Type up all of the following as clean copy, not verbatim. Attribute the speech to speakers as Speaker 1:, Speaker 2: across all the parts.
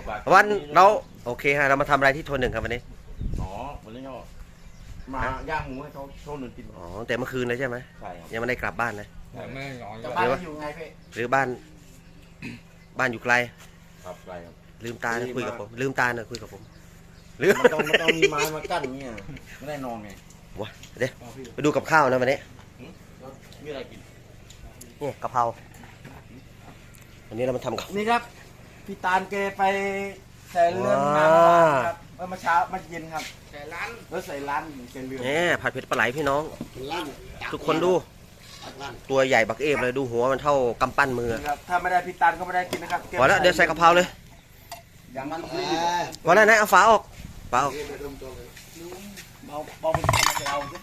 Speaker 1: วันเราโอเคฮะเรามาทำอะไรที่โทนหนึ่งครับวันนี้
Speaker 2: อ๋อวันนี้ก็มาย่างหมูให้เขาโชว์หนึ่งกิน
Speaker 1: อ๋อแต่เมื่อคืนเลยใช่ไหม
Speaker 2: ใช่ครับ
Speaker 1: ยังไม่ได้กลับบ้านนะ
Speaker 3: ไม่นอน
Speaker 2: จะบ้านอยู่ไงพี่
Speaker 1: หรือบ้านอยู่ไกล
Speaker 2: ครับไรครับ
Speaker 1: ลืมตานะคุยกับผมลืมตานะคุยกับผมลืม
Speaker 2: มันต้องมีไม้มากั้นเงี้ยไม่ได้นอนไง
Speaker 1: วะเดี๋ยวไปดูกับข้าวนะวันนี้
Speaker 2: มีอะไรกิน
Speaker 1: นี่กะเพราวันนี้เรามาทำกับ
Speaker 2: นี่ครับพี่ตาลเกไปใส่เรือนมาครับเมื่อเช้าเมื่อเย็นครับใส่ร้านแล้วใส่ร้านใส่เรือน
Speaker 1: นี่ผัดเผ็ดปลาไหลพี่น้อง ทุกคนดู ตัวใหญ่บักเอฟเลยดูหัวมันเท่ากำปั้นมือ
Speaker 2: ครับถ้าไม่ได้พี่ตาลก็ไม่ได้กินนะครับ
Speaker 1: พอแล้วเดี๋ยวใส่กะเพราเลย
Speaker 2: อย่างมัน
Speaker 1: พอแล้วนะเอาฝาออกฝาออก
Speaker 2: เบามันทำมาเอาสิ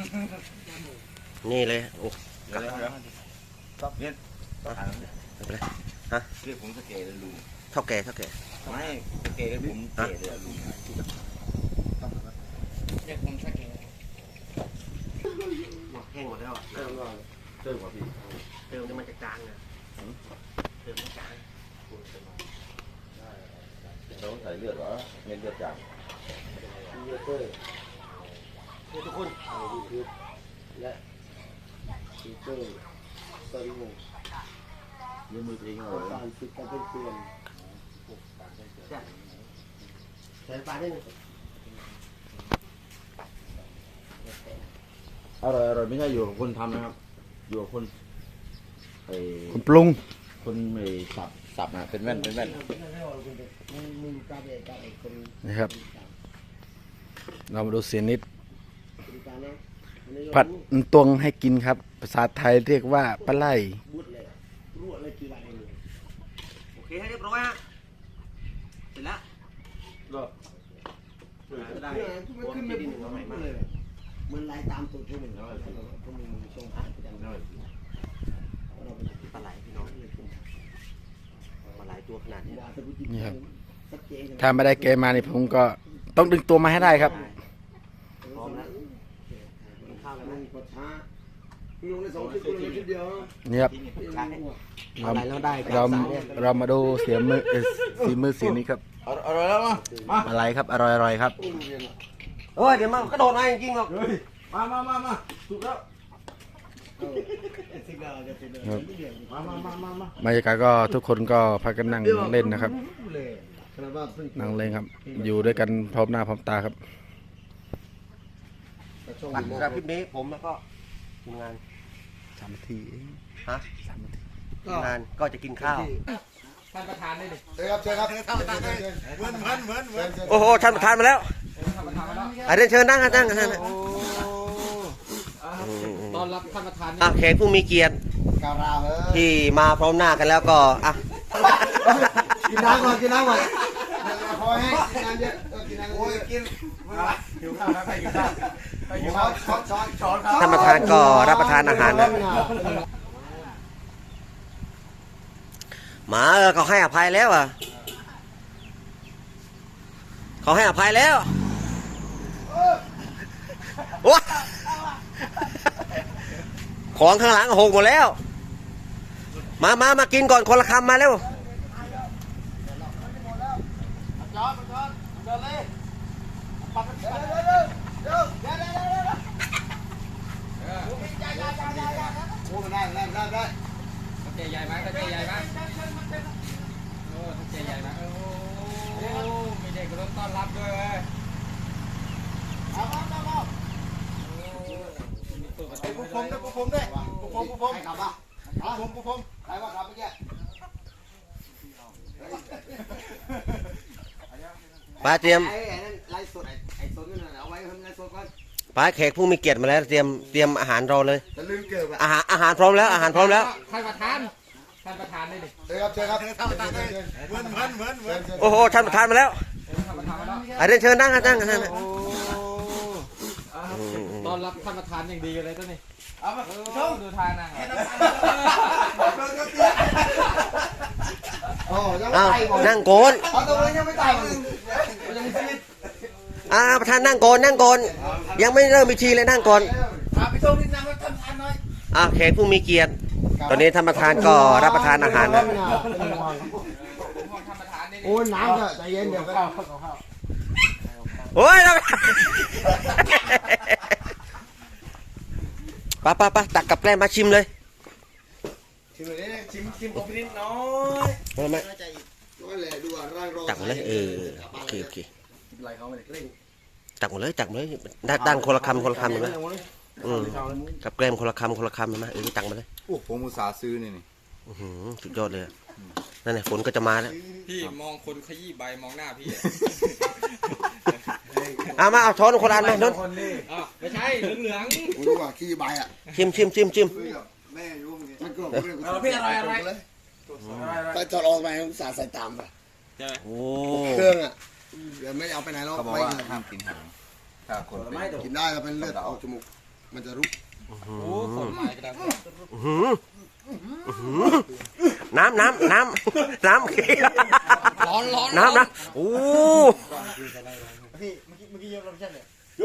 Speaker 1: นี่เลยโอ้
Speaker 2: เดี๋ยวเนี่ย
Speaker 1: ไม่เป็นไร
Speaker 2: เรียกผมสเกตเลยลุง
Speaker 1: เท่าแก่
Speaker 2: ไม่สเกตเลยผมเกตเลยลุง
Speaker 3: เรียกผมสักแก
Speaker 1: แห้งหมดแล้ว
Speaker 2: เติมก่อนพี่
Speaker 1: เติมมันจะจางนะเติมมันจาง
Speaker 2: เราใส่เลือดเหรอเม็ดเลือดจาง
Speaker 1: นี่ทุกคน
Speaker 2: และซีเตอร์สลิงเลือดมือเองเหรอ
Speaker 1: การฝึกการเป็นเตือนใส่ปลาได้ไหม
Speaker 2: อร่อยไม่ใช่อยู่กับคนทำนะครับ อยู่กับคนไอ้
Speaker 3: คนปรุง
Speaker 2: คนไอ้สับนะเป็นแว่น
Speaker 3: นะครับ เรามาดูเสียนิดผัดตวงให้กินครับ ภาษาไทยเรียกว่าปลาไหล
Speaker 1: โอเคให้เรียบร้อยฮะเสร็จแล้ว
Speaker 2: ก็
Speaker 1: ได้
Speaker 4: มันขึ้นไม่พุ่งเลยมันไล่ตามตัวพวกมึงแล้วพวกมึงส่งผ่านไปจังเลย
Speaker 1: ปลาไหลพี่น้องปลาไหลตัวขนาดนี้
Speaker 3: นี่ครับ ถ้าไม่ได้เกมมานี่ผมก็ต้องดึงตัวมาให้ได้ครับ
Speaker 1: พร้อมแล้วข้าวแล้ว
Speaker 4: มั
Speaker 1: นะ
Speaker 4: นก็ช้าลงใน2 คลิปลงในคลิปเดียว
Speaker 3: นี่ครับ
Speaker 1: เอาอะไรแล้วได้
Speaker 3: เรามาดูเสียมือสีมือเสียนี้ครับ
Speaker 2: อร่อยแล้วมา
Speaker 3: อะไรครับอร่อยๆครับ
Speaker 1: เฮ้ยเดี๋ยวมันกระโดดมาจริงๆหรอก
Speaker 2: มาถูกแล้ว
Speaker 4: สิบดาวจะเป็น
Speaker 3: ครับ
Speaker 2: มา
Speaker 3: บรรยากาศก็ทุกคนก็พากันนั่งเล่นนะครับ
Speaker 4: เลยขนาดว่าเพิ่ง
Speaker 3: นั่งเล่นครับ อยู่ด้วยกันพร้อมหน้าพร้อมตาครับ
Speaker 4: ช่วง
Speaker 1: สำหรับคลิปนี้ผมแล้วก็ทีมงาน
Speaker 3: 3 นาที
Speaker 1: ฮะทีมงานก็จะกินข้าว
Speaker 3: ท่านประธานได้ดิ
Speaker 4: เชิญครับเชิญครับเหมือน
Speaker 1: โอ้โหท่านประธานมาแล้วอ่ะเรียนเชิญนั่งนั่ง
Speaker 3: ตอนรับท่านประธาน
Speaker 1: อ่ะแขกผู้มีเกียรติ
Speaker 4: การาเฮ้ย
Speaker 1: ที่มาพร้อมหน้ากันแล้วก็อ่ะ
Speaker 4: กินน้ำก่อนพอให้กินน้ำเยอะกินน้ำโอ้ยกินหิวข้าวแล้วใครกินข้าวช้อน
Speaker 1: ท่านประธานก็รับประทานอาหารนะหมาเขาให้อภัยแล้วอ่ะเขาให้อภัยแล้วโอ้ของข้างหลังหกหมดแล้วมากินก่อนคนละคำมาเร็ว
Speaker 4: โอ้ได้
Speaker 3: เจใหญ่ไหมเจใหญ่ไหมโอ้เจใหญ่ไหมโอ้มีเด็กรถต้อนรับด้วยเว้ย
Speaker 4: ผมด้วยผมใครขับอ่ะผมใครว่าขับเมื่อกี้
Speaker 1: ป้าเตรียม
Speaker 4: ไอ้นั่นไล่สดไอ้สดนั่นเอาไว้ทำงานสดก่อน
Speaker 1: ป้าแขกผู้มีเกียรติมาแล้วเตรียมอาหารรอเลย
Speaker 4: จะลืมเกิดอ่ะ
Speaker 1: อาหารพร้อมแล้วอาหารพร้อมแล้ว
Speaker 3: ท่านประธานได้ดิ
Speaker 4: เชิญครับเหมือน
Speaker 1: โอ้โหท่านประธานมาแล้ว
Speaker 3: ท่านประธานมาแล้ว
Speaker 1: อ่ะเรียนเชิญนั่ง
Speaker 3: ตอนรับท่านประธานอย่างดีเลยตัวนี้เอามาชมดูทางนั่ง
Speaker 4: โอ้ยัง
Speaker 1: อ้าว
Speaker 4: ไม่ตาย
Speaker 1: นั่งโกน
Speaker 4: เอาตัวยังไม่ตายมึงยังมีชีวิต
Speaker 1: ประธานนั่งโกนยังไม่เริ่มพิธีเลยนั่งก่อน
Speaker 4: ไปชมนิดนึงว่าทำทานหน่อย
Speaker 1: แขกผู้มีเกียรติตอนนี้ท่านประธานก็รับประทานอาหารนะ
Speaker 3: ท่านประธานนี่
Speaker 4: อ้ยน้ำก็ใจเย็นเดี๋ยวก็
Speaker 1: โอ้ยไปตักกับแกล้มมาชิมเลย
Speaker 4: ชิมเลยเนี่ย
Speaker 2: ชิมผมนิดน้อย
Speaker 1: ไม่
Speaker 4: น้อยเลยดูว่าร่างรอ
Speaker 1: ตักมาเลยโอเค
Speaker 2: ไรเขาไม่ได้เร่ง
Speaker 1: ตักมาเลยตั้งคนละคำเห็นไหมกับแกล้มคนละคำเห็นไหมตักมาเลย
Speaker 5: โอ้ผมอุตส่าห์ซื้อนี่
Speaker 1: สุดยอดเลยนั่นแหละฝนก็จะมาแล้ว
Speaker 3: พี่มองคนขยี้ใบมองหน้าพี่
Speaker 1: เอาช้อนคนละอันมานน
Speaker 3: ไม่ใช่เหลือง
Speaker 4: ผมรู้ว่าขี้ใบอ่ะ
Speaker 1: ชิม
Speaker 4: แม่ยุ่งมันก็
Speaker 2: พี่อะไรไปจอดออกไปสาใส่ตามไป
Speaker 3: ๆใช่ไหม
Speaker 1: โอ้
Speaker 4: เครื่องอ่ะเดี๋ยวไม่เอาไปไหนหรอก
Speaker 5: เขาบอก
Speaker 4: ไม่
Speaker 5: ว่าห้ามกินหางถ้าคนเป็น
Speaker 4: กินได้แต่เป็นเลือดออกจมูกมันจะรุก
Speaker 3: โอ้คนหมายกระดัง
Speaker 1: น้ำ
Speaker 3: ร้อน
Speaker 1: น้ำโอ้
Speaker 2: พี่เมื่อกี้เยอะเราไม่ใช่เนี่ย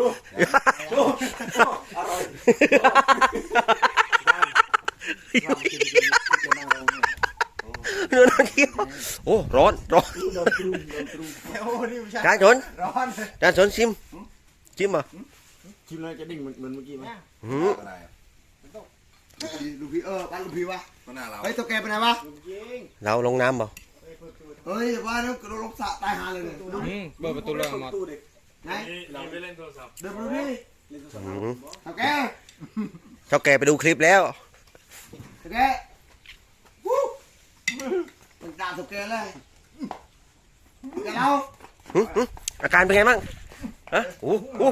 Speaker 1: เนื้อเคี้ยวโอ้ร้อน
Speaker 2: โอ้นี่ไม่ใช่
Speaker 1: จานสน
Speaker 2: ร้อน
Speaker 1: จานสนชิมเหรอ
Speaker 2: ชิมเลยจะดิ่งเหมือนเมื่อกี้ไหม
Speaker 5: อะไร
Speaker 4: ลูกพี่บ้านลูกพี่วะ
Speaker 5: ก็น่าเรา
Speaker 4: เฮ้ยตัวแกไปไหนวะ
Speaker 1: เราลงน้ำเปล่า
Speaker 4: เฮ้ยว่าแล้วกระโดดลงสระตายหาเลยเนี่ย
Speaker 3: เปิดประตูเรื่องมา
Speaker 4: ไหนเราไปเล่นโทรศัพท์เดินมาดูดิตัวแก
Speaker 1: เจ้าแกไปดูคลิปแล้ว
Speaker 4: ตัวแกวู้มันด่าตัวแกเลยแกเรา
Speaker 1: อาการเป็นไงบ้างฮะโอ้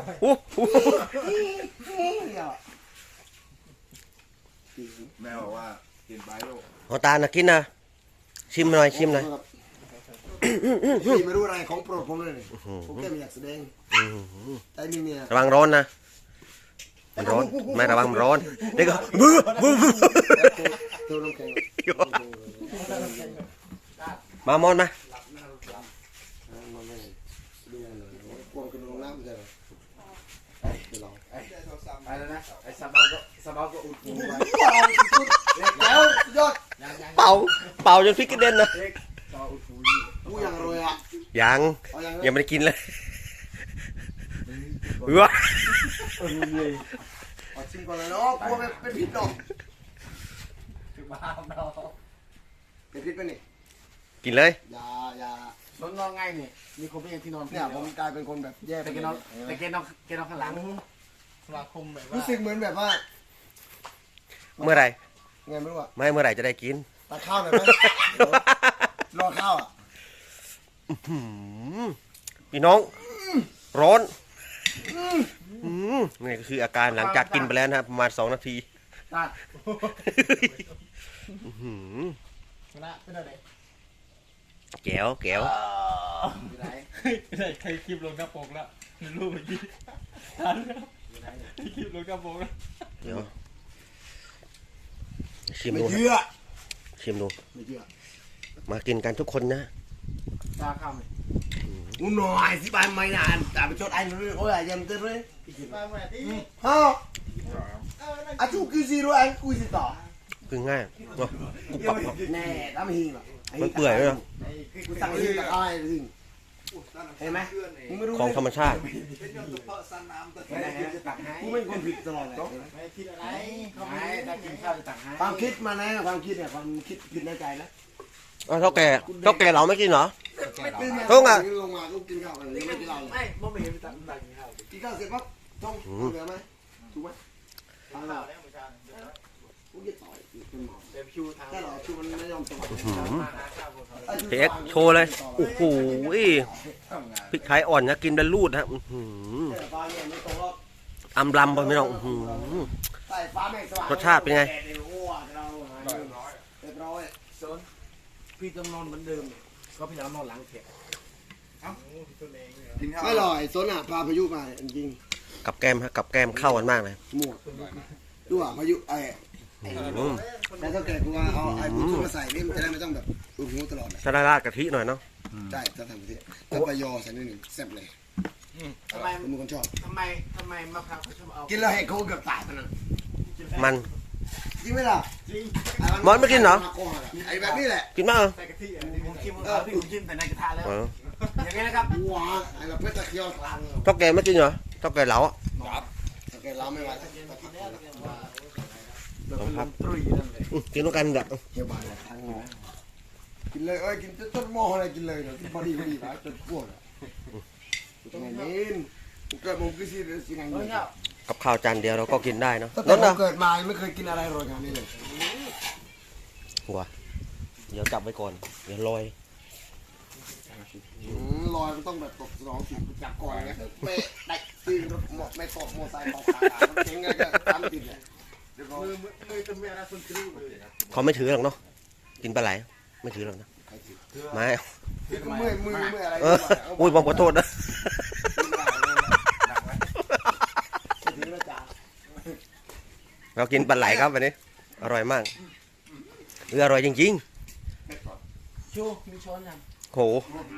Speaker 5: แม่บอกว่ากินไปลูก
Speaker 1: หัวตาลกินนะชิมหน่อย
Speaker 4: พี่ไม่รู้อะไรของโปรดผมเลยผมแค่ไม่อยากแสดงแต่นี่เนี่ย
Speaker 1: ระวังร้อนนะมันร้อนไม่ระวังมันร้อนเด็กก็
Speaker 4: ตัวน้ำแข็ง
Speaker 1: มามอนมา
Speaker 4: กวงกระโดดน้ำใช่ไหมเดี๋ยวลอง
Speaker 2: ไปแล้วนะไอ้สบาก็อุดหูไป
Speaker 4: แล้วยอด
Speaker 1: เป่าจนพริกกระเด็นนะ
Speaker 4: กูอย่างรวยอ่ะ
Speaker 1: ยังไม่ได้กินเลยว้า
Speaker 4: ชิมก่อนเลยเนาะกลัวเป็นพิษดอกเป็นพิษไปนี่
Speaker 1: กินเลย
Speaker 4: อย่าน
Speaker 2: อนง่ายนี่มีคนเป็นที่นอน
Speaker 4: เนี่ยผมกลายเป็นคนแบบแย่ไป
Speaker 2: แต่แกนอนข้างหลังสมาคมแบบว่า
Speaker 4: รู้สึกเหมือนแบบว่า
Speaker 1: เมื่อไหร่
Speaker 4: ไงไม่รู้อ่ะ
Speaker 1: ไม่เมื่อไหร่จะได้กิน
Speaker 4: ตัดข้าวหน่อยไหมรอข้าวอ่ะ
Speaker 1: พี่น้องร้อนนี่ก็คืออาการหลังจากกินไปแล้วนะครับประมาณ2 นาที
Speaker 2: ตัดชนะเป็นอะไร
Speaker 1: แก้ว
Speaker 2: ไหน
Speaker 3: ใครคลิปลงหน้าปกแล้วรูปเมื่อกี้ทันแล้วคลิปลงหน้าปกแล้ว
Speaker 1: เดี๋ยวชิม
Speaker 4: ไม่
Speaker 1: ดู
Speaker 4: เชื่อ
Speaker 1: ชิมดู
Speaker 4: ไม่เชื่อ
Speaker 1: มากินกันทุกคนนะ
Speaker 2: ตาข้ามเลย
Speaker 4: กูหน่อยสิบายไม่นานแต่ไปชดไอ้เลยโอ้ยยังเต้นเลยฮะอาชูคือซีโร่ไอ้กูสิต่อ
Speaker 1: คือง่ายเนาะกุบปับเนาะ
Speaker 4: แน่ทำหิงหรอ
Speaker 1: มันเปื่อยเลยเนาะ
Speaker 4: กูสั่งหิงตะไคร้หิงเห็นไหมมึงไม่รู้
Speaker 1: ของธรรมชาติ
Speaker 4: กูเป็นคนผิดตลอดเลย
Speaker 2: ไม่คิดอะไรเขาไม่ได้กินข้าวจะตักให้
Speaker 4: ความคิดมานะความคิดเนี่ยความคิดผิดในใจนะ
Speaker 1: เท่าแก่เราไม่กินเหรอ
Speaker 4: ลงมาก็กินข้าวกันยังไม่กินเหล้าเลย
Speaker 2: ไม่บ่เห็นตักกินข้าว
Speaker 4: กินข้าวเสร็จปั๊บต้องเหลือไหมถูกไหม
Speaker 2: ข้าวแล้วมื้อเช้า
Speaker 4: กูจะต่อยเป็นหมอ
Speaker 2: เดี๋ยวคิวทาง
Speaker 4: ถ้าเราชูมันไม่ยอมต่อย
Speaker 1: พี่เอ็กซ์โชว์เลยโอ้โหพริกไทยอ่อนนะกินเป็นรูดฮะ
Speaker 4: ฟ้าเนี่ยไม่ตรงหรอก
Speaker 1: อำลำไปไม่ต้อง
Speaker 4: ใส่ฟ้าแม่งสว่าง
Speaker 1: รสชาติเป็นไง
Speaker 4: เรียบร้อย
Speaker 2: โซนพี่ต้องนอนเหมือนเดิมก็พี่แล้วนอนหลังเถียง
Speaker 5: กินข้าว
Speaker 4: ไม่หรอกโซนอ่ะพาพายุมาจริง
Speaker 1: กับแกมเข้ากันมากเลย
Speaker 4: หมวกดูอ่ะพายุแล้วถ้าแกกูว่าเอาไอ้บุญมาใส่นี่มันจะได้ไม่ต้องแบบอุดหูตลอดนะ
Speaker 1: ถ้าราดกะทิหน่อยเนาะ
Speaker 4: ใช่ถ้าทำแบบนี้ถ้าปยอใส่นิดหนึ่งแซ่บเลย
Speaker 2: ทำไม
Speaker 4: ผมเป็นคนชอบ
Speaker 2: ทำไมมะพร้าวเขาชอบเอา
Speaker 4: กินแล้วให้เขาเกือบตายไปนั่น
Speaker 1: มัน
Speaker 4: จริงไหมล่ะ
Speaker 1: มอนไม่กินเหรอ
Speaker 4: ไอ้แบบนี้แหละ
Speaker 1: กินบ้างเหรอ
Speaker 2: ผมชิมพี่ผมชิมแต่ในกระทะแล้ว
Speaker 1: เออ
Speaker 2: อย่างนี้นะครับ
Speaker 4: ว้าไอ้แบบเพชรตะเคียวกลาง
Speaker 1: เท่าแกไม่กินเหรอเท่าแกเหลาอ่ะ
Speaker 4: แกเราไม่ไหว
Speaker 1: ครับ
Speaker 2: ตรุยนั่นเลย
Speaker 1: กินด้วยกันแบบ
Speaker 4: เกี่ยวบานทางหนูกินเลยเอ้ยกินต้นหม้ออะไรกินเลยเนาะพอดีนะจนพวกต้องไงนี่เกิดผมก็สิสิไงนี่
Speaker 1: กับข้าวจานเดียวเราก็กินได้เนาะ
Speaker 4: ตั้ง
Speaker 1: นั่
Speaker 4: แต่
Speaker 1: น
Speaker 4: ผม
Speaker 1: นะ
Speaker 4: เกิดมาไม่เคยกินอะไรอร่อยอย่างนี้เลย
Speaker 1: หัวเดี๋ยวจับไว้ก่อนเดี๋ยวลอย
Speaker 4: ลอยมันต้องแบบตกสนองสิจับก่อนนะเป๊ะได้ตีรถไม่ตกโมไซค์ตกขาเก่งไงก็ตามติดเลยมือจะไม่อะไรคนกริ้วเลย
Speaker 1: เขาไม่ถือหรอกเนาะกินปลาไหลไม่ถือหรอกนะไม่
Speaker 4: ก็มืออะไร
Speaker 1: เอออุ้ยผมขอโทษนะ
Speaker 4: ถือแล้วจ้า
Speaker 1: เรากินปลาไหลครับวันนี้อร่อยมากอร่อยจริง
Speaker 2: ชูมีช้อนยัง
Speaker 1: ๆโห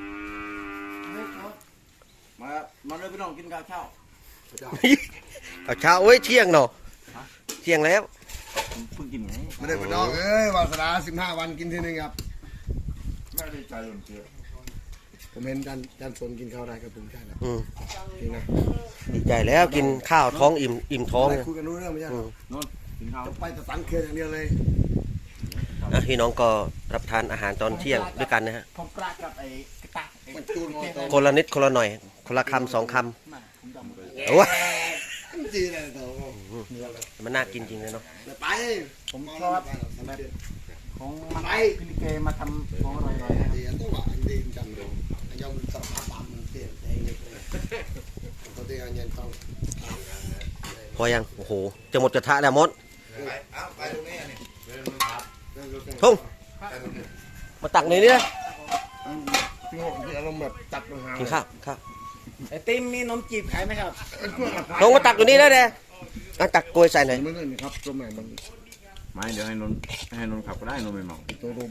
Speaker 2: มาเลยพี่น้องกินข้าวเช้า
Speaker 1: เอาเช้าเอ้ยเที่ยงเนาะเที่ยงแล้ว
Speaker 2: เพิ่งกินไง
Speaker 4: ไม่ได้ไปน้องเอ้ยวาสนา15 วันกินทีนึงครับ
Speaker 5: ไม่ได้ใจหล่นเชื่อ
Speaker 4: ผมเห็นจันสนกินข้าวได้กับผมใช่แล้ว
Speaker 1: อืม
Speaker 4: จริงนะ
Speaker 1: ดีใจแล้วกินข้าวท้องอิ่มท้อง
Speaker 4: อะไร
Speaker 1: เนี่ย
Speaker 4: คุยกันรู้เรื่องไม่ใช่หรอ
Speaker 2: กินข้าว
Speaker 4: ไปแต่สังเกตอย่างเดียวเลย
Speaker 1: อ่ะพี่น้องก็รับทานอาหารตอนเที่ยงด้วยกันนะฮะ
Speaker 2: ผมกล้ากับไอ้กระตะ
Speaker 4: มันจูนงอต
Speaker 1: คนละนิดคนละหน่อย คนละคำ2 คำ
Speaker 2: ผมจำ
Speaker 1: โอ้ย
Speaker 4: จีเลยเถอะ
Speaker 1: มันน่ากินจริงเลยเนาะ
Speaker 4: ไป
Speaker 2: ผมชอบแบบของมันพิลิเกมาทำของอร่อยๆนะครับ
Speaker 4: ดีตัวดีจำดูยอมสภาพบำมันเปลี่ยนเองเลยตัวเดียวเงินต้อง
Speaker 1: พอยังโอ้โหจะหมดกระทะแล้วมด
Speaker 5: ไปตรงนี้นี่
Speaker 1: ทุ่งมาตักหน่อยนี่นะ
Speaker 4: พี่หกที่อารมณ์แบบจัดมาหา
Speaker 1: กินข้าวข้าว
Speaker 2: ไอติมมีนมจีบขายไหมครับ
Speaker 1: ลงมาตักอยู่นี่แล้วเด้อ่ะตักกล้วยใส่หน่อย
Speaker 4: ไม่ใช่ครับตัวใหม่มัน
Speaker 5: ไม่เดี๋ยวให้นนขับก็ได้นนไม่เมา
Speaker 4: ตัวรวม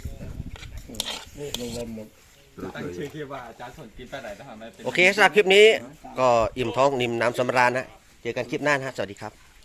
Speaker 4: รวมหมด
Speaker 3: ตั้งชื่อคลิปว่าอาจารย์สนกินไปไหนนะครับ
Speaker 1: โอเคสำหรับคลิปนี้ก็อิ่มท้องนิ่มน้ำสำราญนะเจอกันคลิปหน้านะฮะสวัสดีครับ